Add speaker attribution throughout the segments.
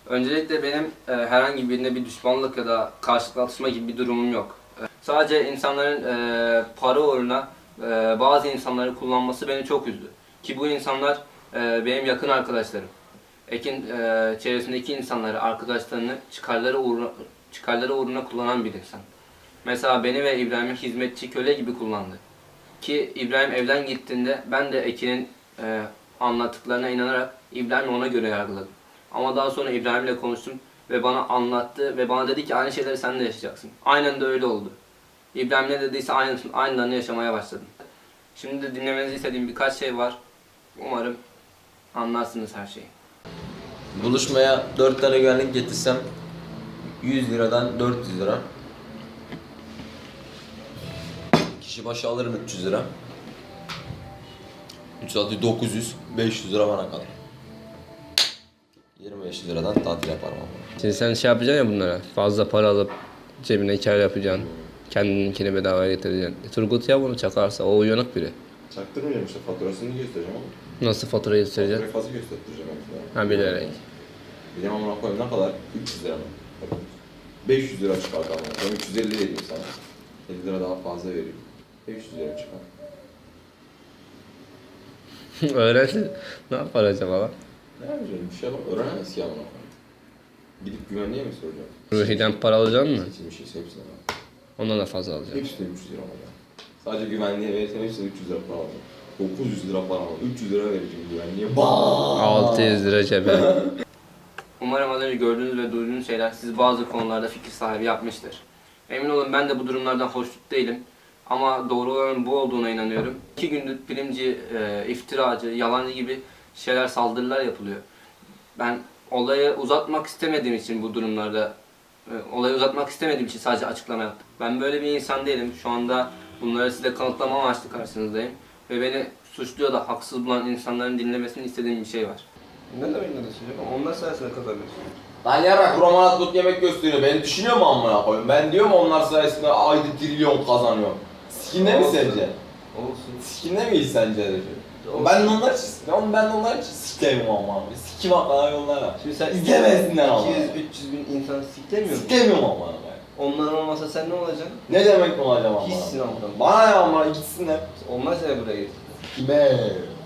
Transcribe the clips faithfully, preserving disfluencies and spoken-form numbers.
Speaker 1: Öncelikle benim e, herhangi birine bir düşmanlık ya da karşılıklı atışma gibi bir durumum yok. E, sadece insanların e, para uğruna e, bazı insanları kullanması beni çok üzdü. Ki bu insanlar e, benim yakın arkadaşlarım. Ekin e, çevresindeki insanları, arkadaşlarını çıkarları uğruna, çıkarları uğruna kullanan bir insan. Mesela beni ve İbrahim'i hizmetçi köle gibi kullandı. Ki İbrahim evden gittiğinde ben de Ekin'in e, anlattıklarına inanarak İbrahim'i ona göre yargıladım. Ama daha sonra İbrahim'le konuştum ve bana anlattı ve bana dedi ki aynı şeyleri sen de yaşayacaksın. Aynen de öyle oldu. İbrahim ne dediyse aynısını, aynılarını yaşamaya başladım. Şimdi de dinlemenizi istediğim birkaç şey var. Umarım anlarsınız her şeyi.
Speaker 2: Buluşmaya dört tane güvenlik getirsem yüz liradan dört yüz lira. Kişi başı alırım üç yüz lira. üç saati dokuz yüz, beş yüz lira bana kalır. yirmi beş liradan tatil yaparım ama.
Speaker 1: Şimdi sen şey yapacaksın ya bunlara, fazla para alıp cebine kar yapacaksın. Kendininkini bedavaya getireceksin. E, Turgut ya bunu çakarsa, o uyanık biri.
Speaker 3: Çaktırmayacağım işte, faturasını göstereceğim ama.
Speaker 1: Nasıl faturayı göstereceksin?
Speaker 3: Faturayı fazla göstereceğim mesela.
Speaker 1: Ha, bilerek.
Speaker 3: Bir de amına koyayım ne kadar? üç yüz lira mı? beş yüz lira çıkar tamam. Ben üç yüz elli vereyim sana. elli lira daha fazla vereyim. beş yüz lira çıkar.
Speaker 1: Öğrendi. Ne yapar acaba lan?
Speaker 3: Ne yapacağım? Bir şey yapalım. Öğrenemez ki amına koyayım. Gidip güvenliğe mi soracağım?
Speaker 1: Ruhi'den para alacaksın mı?
Speaker 3: Seçilmiş şeyse hepsine bak.
Speaker 1: Ondan da fazla alacaksın.
Speaker 3: Hepsi de üç yüz lira alacağım. Sadece güvenliğe verirsen hepsine üç yüz lira para alacağım. dokuz yüz lira para alacağım. üç yüz lira vereceğim güvenliğe. Baaaaaa!
Speaker 1: altı yüz lira cebe. Umarım az önce gördüğünüz ve duyduğunuz şeyler sizi bazı konularda fikir sahibi yapmıştır. Emin olun ben de bu durumlardan hoşnut değilim. Ama doğru olanın bu olduğuna inanıyorum. İki gündür bilimci, e, iftiracı, yalancı gibi şeyler, saldırılar yapılıyor. Ben olayı uzatmak istemediğim için bu durumlarda, e, olayı uzatmak istemediğim için sadece açıklama yaptım. Ben böyle bir insan değilim. Şu anda bunları size kanıtlama amaçlı karşınızdayım. Ve beni suçlu ya da haksız bulan insanların dinlemesini istediğim bir şey var. Ne demek ne düşünüyorum? Onlar sayesinde kazanıyorsun.
Speaker 2: Lan yarrak roman atlık yemek gösteriyor. Beni düşünüyor mu amına koyayım? Ben diyorum onlar sayesinde ayda trilyon kazanıyorum. Sikinde mi sence?
Speaker 1: Olsun.
Speaker 2: Sikinde miyiz sence? Ben de onlar için, ben, ben de onlar için sikeyim ama abi. Sikim hakkında yollara.
Speaker 1: Şimdi sen
Speaker 2: İzlemesinler ama.
Speaker 1: iki yüz üç yüz bin insan siklemiyor musun?
Speaker 2: Sikemiyorum ama abi.
Speaker 1: Onlar olmasa sen ne olacaksın?
Speaker 2: Ne demek mi olacağım ama?
Speaker 1: Hiçsin ama.
Speaker 2: Bana ne ama gitsinler.
Speaker 1: Onlar seni buraya getirdi.
Speaker 2: Kime?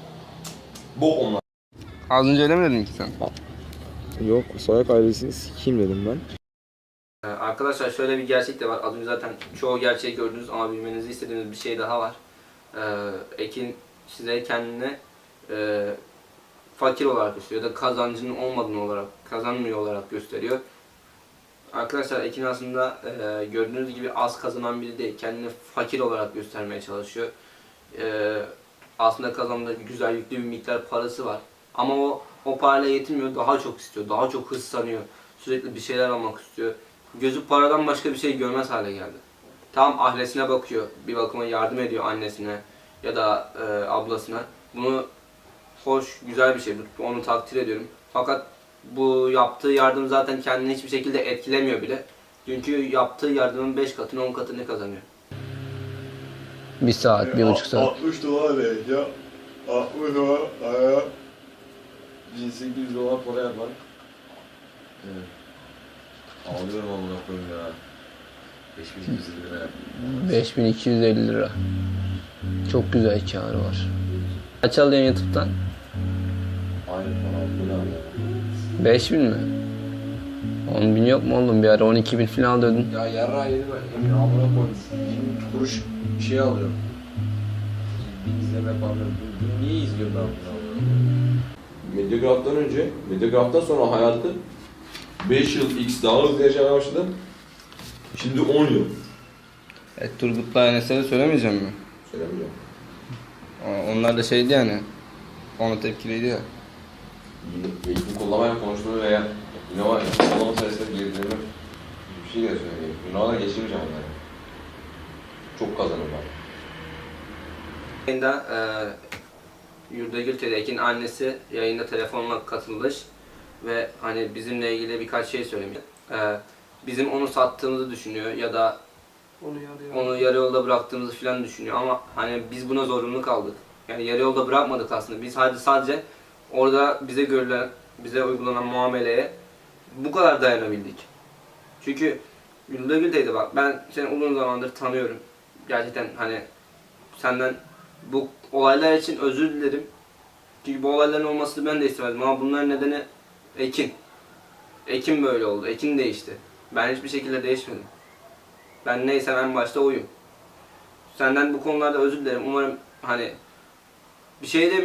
Speaker 2: Bok onlar.
Speaker 1: Az önce öyle mi dedin ki sen?
Speaker 4: Yok, Soyak ailesini sikeyim dedim ben.
Speaker 1: Ee, arkadaşlar şöyle bir gerçek de var. Az önce zaten çoğu gerçeği gördünüz ama bilmenizi istediğimiz bir şey daha var. Ee, Ekin size kendini e, fakir olarak gösteriyor ya da kazancının olmadığını olarak, kazanmıyor olarak gösteriyor. Arkadaşlar Ekin aslında e, gördüğünüz gibi az kazanan biri değil. Kendini fakir olarak göstermeye çalışıyor. E, aslında kazandığı güzel yüklü bir miktar parası var. Ama o o parayla yetinmiyor, daha çok istiyor, daha çok hırslanıyor. Sürekli bir şeyler almak istiyor. Gözü paradan başka bir şey görmez hale geldi. Tam ailesine bakıyor, bir bakıma yardım ediyor annesine ya da e, ablasına. Bunu hoş, güzel bir şey, onu takdir ediyorum. Fakat bu yaptığı yardım zaten kendini hiçbir şekilde etkilemiyor bile. Çünkü yaptığı yardımın beş katını, on katını kazanıyor. Bir saat, bir buçuk saat.
Speaker 3: altmış dolar ver ya. altmış dolar aya. bin sekiz yüz dolar para yapar.
Speaker 2: Evet. Ağlıyorum amına koyayım ya. beş bin iki yüz elli lira.
Speaker 1: beş bin iki yüz elli lira. Çok güzel kârı var. Kaç alıyorsun YouTube'dan?
Speaker 2: Aynen bana bu ne abi?
Speaker 1: beş bin mi? on bin yok mu oğlum? Bir ara on iki bin falan alıyordun.
Speaker 2: Ya yarra yedi ben emin amına koymuş. yirmi kuruş bir şey alıyorum. Bir izleme yapamıyorum. Niye izliyor ben bunu?
Speaker 3: Medyagraf'tan önce, Medyagraf'tan sonra hayatı beş yıl X daha hızlı yaşamaya başladım. Şimdi on yıl.
Speaker 1: E, Turgut'la Enes'e söylemeyeceğim mi?
Speaker 3: Söylemiyorum.
Speaker 1: Onlar da şeydi yani. Ona tepkiliydi ya.
Speaker 3: Eğitim kullanmayla konuştuğunu veya Innova kullanma sayesinde girdiğimi bir şey de söyleyeyim. Innova'da geçirmeyeceğim onları. Çok kazanırım ben.
Speaker 1: Yayında e, Yurdagül Tedek'in annesi yayında telefonla katılmış ve hani bizimle ilgili birkaç şey söylemiş. E, bizim onu sattığımızı düşünüyor ya da onu yarı, onu yarı yolda bıraktığımızı falan düşünüyor ama hani biz buna zorunlu kaldık. Yani yarı yolda bırakmadık aslında. Biz sadece sadece orada bize görülen, bize uygulanan muameleye bu kadar dayanabildik. Çünkü Güldür teyze bak, ben seni uzun zamandır tanıyorum. Gerçekten hani senden bu olaylar için özür dilerim. Çünkü bu olayların olmasını ben de istemezdim ama bunların nedeni Ekin. Ekin böyle oldu. Ekin değişti. Ben hiçbir şekilde değişmedim. Ben neysem en başta oyum. Senden bu konularda özür dilerim. Umarım hani bir şey demiyorum.